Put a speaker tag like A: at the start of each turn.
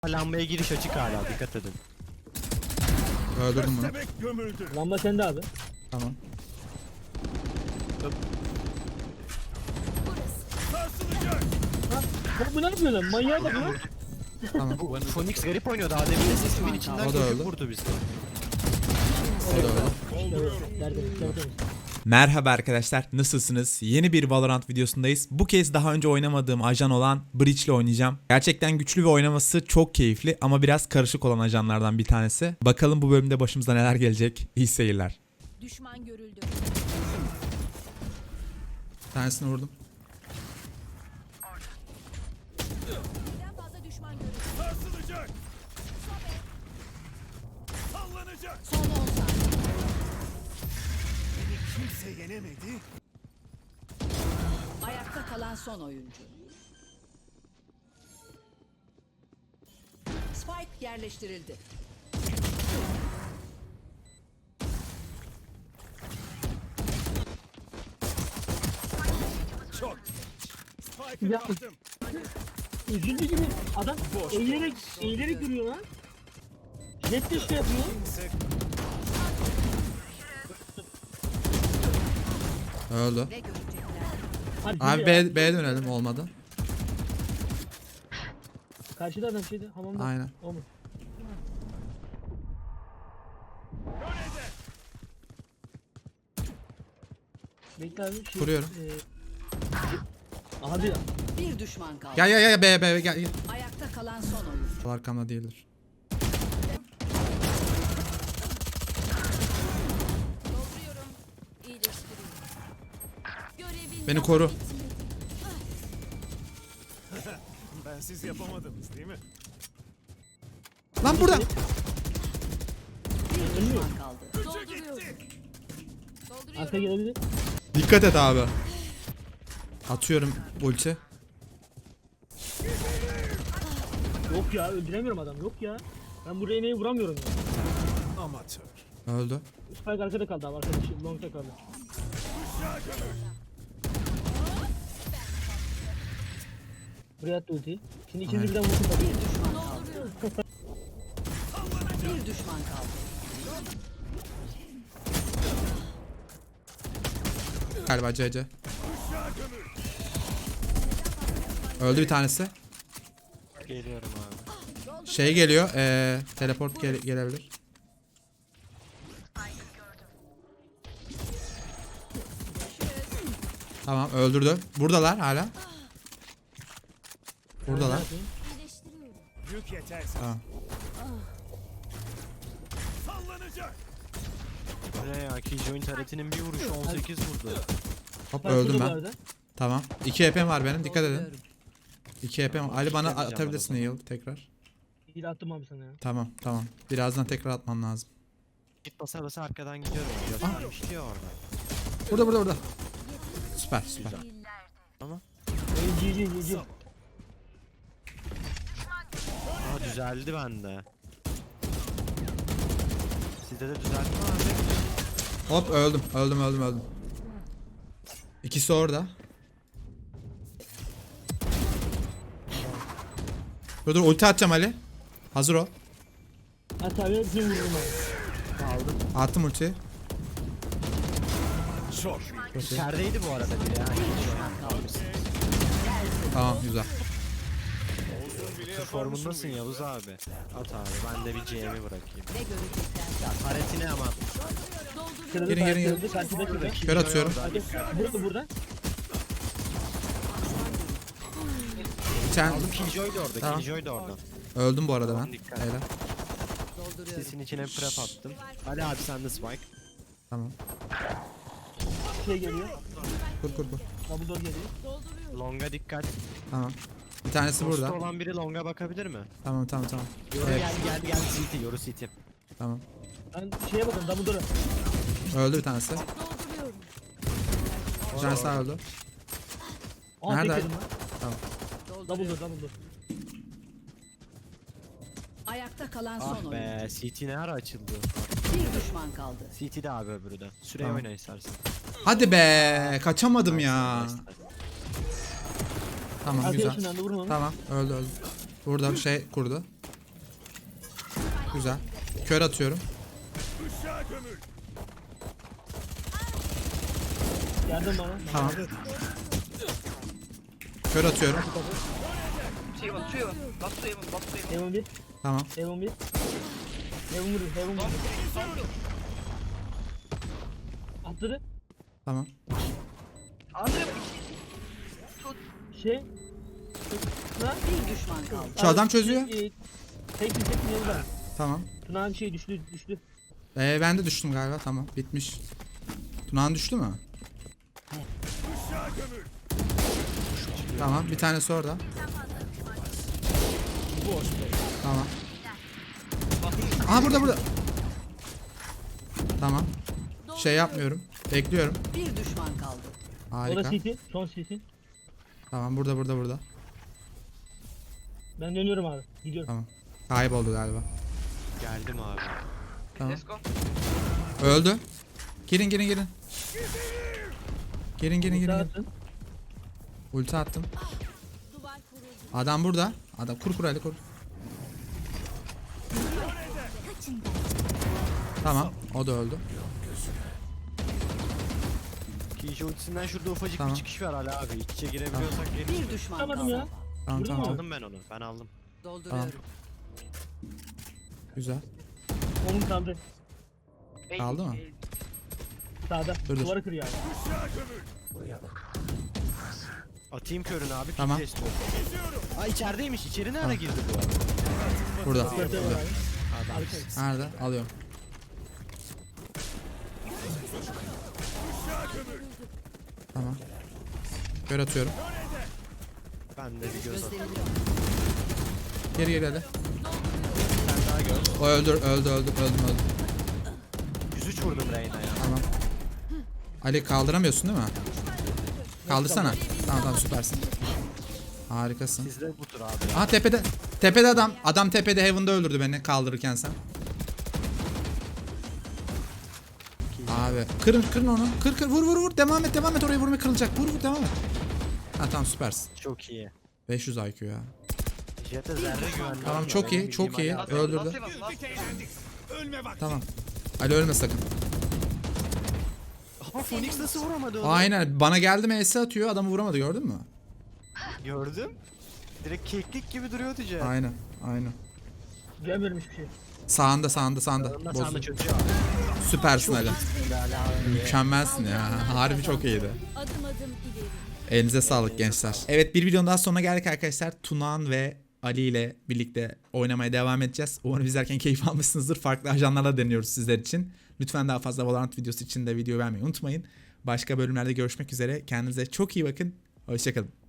A: Lambaya giriş açık hala, dikkat edin.
B: Öldürdüm bunu.
C: Lamba sende abi.
B: Tamam.
C: Bak bu ne yapıyor lan? Manyağa bak lan.
B: Tamam.
A: Bu Phoenix garip oynuyor, daha demin de sesimin içinden
B: O da öldü.
A: koşup vurdu bizi.
B: O da öldü.
C: Tertemiz.
D: Merhaba arkadaşlar, nasılsınız? Yeni bir Valorant videosundayız. Bu kez daha önce oynamadığım ajan olan Breach ile oynayacağım. Gerçekten güçlü ve oynaması çok keyifli ama biraz karışık olan ajanlardan bir tanesi. Bakalım bu bölümde başımıza neler gelecek. İyi seyirler.
E: Düşman görüldü.
B: Bir tanesini vurdum.
E: Birden fazla düşman görüldü.
F: Sarsılacak. Sallanacak.
E: Son 10 saniye.
F: Kimse yenemedi.
E: Ayakta kalan son oyuncu. Spike yerleştirildi.
F: Çok. Spike'ı
C: Ya.
F: kaptım.
C: Üzüldü gibi adam eğilerek duruyor lan. Jet de şey yapıyor.
B: Öldü.
E: Ne görecekler?
C: Hadi
B: Abi
C: ya.
B: B'ye dönelim olmadı.
C: Karşıda adam şeydi hamamda.
B: Aynen.
C: O mu? Bekle abi. Şey,
B: Kuruyorum.
C: Abi
E: Bir düşman kaldı.
B: Gel B gel.
E: Ayakta kalan son oyuncu.
B: Arkamda değildir.
E: Dolduruyorum. İyileştiriyorum. Görevin
B: Beni
E: daha
B: koru.
E: bitmedi.
F: Bensiz yapamadınız değil mi?
B: Lan burada.
E: Bir düşman kaldı. Dolduruyorum.
C: arka gelebilir.
B: Dikkat et abi. Atıyorum ulti.
C: Yok ya öldüremiyorum adam yok ya. Ben bu Reyna'yı vuramıyorum ya.
F: Amatör.
B: Öldü.
C: Spike arkada kaldı abi arkadaşı long'da kaldı. Buraya attı ultiyi. Şimdi ikinci birden vursun tabii.
E: Bir düşman kaldı. Bir düşman kaldı.
B: Galiba CC. Öldü bir tanesi.
A: Geliyorum abi.
B: Şey geliyor. Teleport gelebilir. Tamam öldürdü. Buradalar hala. Buradalar.
F: Yük yetersiz.
B: Tamam.
F: Sallanacak.
A: Bu ne ya, Killjoy'un taretinin bir vuruşu 18 vurdu.
B: Hop
C: Spike
B: öldüm
C: burada bu
B: ben.
C: arada.
B: Tamam. 2 HP'm var benim. Dikkat edin.
E: Dolduruyorum.
B: 2 HP'm var. Ali bana
A: Yapacağım
B: atabilirsin
A: ben o
B: heal tekrar.
C: İyi de attım abi sana ya.
B: Tamam. Birazdan tekrar atmam lazım.
A: Git basa basa arkadan gidiyorum. Göstermiş diyor orada.
B: Burada. Süper.
C: GG.
A: Aa, düzeldi bende. Sizde de düzeldi mi abi?
B: Hop öldüm. İkisi orada. Dur ulti atacağım Ali. Hazır ol.
C: At abi bir vururum abi.
B: Attım ultiyi.
F: Çok.
A: İçerideydi bu arada biri ya.
B: Tamam güzel.
A: Formundasın Yavuz abi. At abi, ben de bir GM'i bırakayım.
E: Ne görecekler?
A: Ya taretine ama.
C: Kırıldı,
B: Gelin.
C: kırıldı, karşıda kırıldı.
B: Kör atıyorum.
C: Hadi burada.
B: Sen
A: Killjoy da orada,
B: Tamam.
A: Killjoy da orada.
B: öldüm bu arada ben.
A: Dikkat.
B: Helal.
E: Dolduruyorum.
A: Sesin içine prep attım. Hadi abi sen de Spike.
B: Tamam.
C: Şey geliyor.
B: Kur.
C: Dumbledore geliyor.
A: Longa dikkat.
B: Tamam. Bir tanesi
A: Ghost'ta
B: burada.
A: olan biri longa bakabilir mi?
B: Tamam.
A: Yoru
B: Evet.
A: gel CT, Yoru CT.
B: Tamam.
C: Ben şeye bakın Dumbledore'a.
B: Öldü bir tanesi.
E: Dolduruyorum.
B: Bir tanesi daha öldü.
C: Aa
B: Nerede?
C: tek yedim lan.
B: Tamam.
C: Dumbledore.
E: Ayakta kalan son
A: Ah
E: oyuncu.
A: be, CT ne ara açıldı?
E: Bir düşman kaldı.
A: CT de abi öbürü de. Süreye
B: Tamam.
A: oyna istersen.
B: Hadi be. Kaçamadım ya. Tamam güzel.
C: Arkadaşından da vurma.
B: Tamam öldü. Burada şey kurdu. Güzel. Kör atıyorum.
F: Işığa gömül.
C: Yardım bana.
B: Tamam. Kör atıyorum.
C: Heaven 1.
B: Tamam.
C: Heaven 1. Heaven vuruyor. Heaven vuruyor. Atladı.
B: Tamam.
C: Şey. Tuna.
E: Bir düşman kaldı.
B: Şu adam çözüyor.
C: Tek yanında.
B: Tamam.
C: Tuna'nın şey düştü.
B: Ben de düştüm galiba. Tamam. Bitmiş. Tunağan düştü mü?
F: Işığa gömül.
B: Tamam. Bir tanesi orada. Tamam. Aha burada. Tamam. Şey yapmıyorum. Bekliyorum.
E: Bir düşman kaldı.
C: O da
B: Harika.
C: CT. Son CT.
B: Tamam burada.
C: Ben dönüyorum abi. Gidiyorum.
B: Tamam. Kayboldu galiba.
A: Geldim abi.
B: Tamam. Öldü. Girin. Girin.
C: Dağıtın.
B: Ulti attım. Adam burada. Adam kur hadi kur. Tamam. O da öldü.
A: Kişi ultisinden şurada ufacık
B: Tamam.
A: bir çıkış var hala abi. İç içe girebiliyorsak gelin.
E: Bir düşman
C: Tutamadım
E: kaldı.
C: ya.
B: Tamam.
A: Aldım ben onu. Ben aldım.
E: Dolduruyorum.
B: Güzel.
C: Onun kaldı.
B: Kaldı mı?
C: Sağda.
B: Dur.
C: Duvara kırıyor abi.
F: Işığa gömül.
A: Atayım körünü abi.
B: Tamam.
A: Pik testi oldu. Aa içerideymiş. İçeri nerede girdi bu arada?
B: Burada.
C: Dörtte var abi.
B: Nerede? Alıyorum. Tamam. Kör atıyorum.
A: Ben de bir göz atayım.
B: Geri hadi.
A: Sen daha gör.
B: O öldüm.
A: 103 vurdum Reyna ya.
B: Tamam. Ali kaldıramıyorsun değil mi? Kaldırsana. Tamam süpersin. Harikasın.
A: Sizde bu tur abi.
B: Aha tepede. Tepede adam. Adam tepede Heaven'da öldürdü beni kaldırırken sen. Abi kırın onu. Kır vur. Devam et oraya vurmaya kırılacak. Vur devam et. Ha tamam süpersin.
A: Çok iyi.
B: 500 IQ ya.
A: Jet'e zerre güvenli.
B: Tamam
A: olmuyor.
B: çok
A: Benim
B: iyi çok
A: bildiğim
B: iyi.
A: Ali abi.
B: Öldürdü.
F: Güldük eğlendik. Ölme vakti.
B: Tamam. Ali ölme sakın.
A: Ama Phoenix nasıl vuramadı onu?
B: Aynen bana geldi MS atıyor adamı vuramadı gördün mü?
A: Gördüm. Direkt keklik gibi duruyordu Jet.
B: Aynen.
C: Görmüyorum hiçbir şey.
B: Sağında.
A: Sağında
B: Bozdu.
A: çözüyor abi.
B: Süpersin Ali.
A: Ali abi.
B: Mükemmelsin ya. Harbi çok iyiydi.
E: Adım ileri.
B: Elinize sağlık gençler. Evet bir videonun daha sonuna geldik arkadaşlar. Tunağan ve Ali ile birlikte oynamaya devam edeceğiz. Umarım izlerken keyif almışsınızdır. Farklı ajanlarla deniyoruz sizler için. Lütfen daha fazla Valorant videosu için de video beğenmeyi unutmayın. Başka bölümlerde görüşmek üzere. Kendinize çok iyi bakın. Hoşçakalın.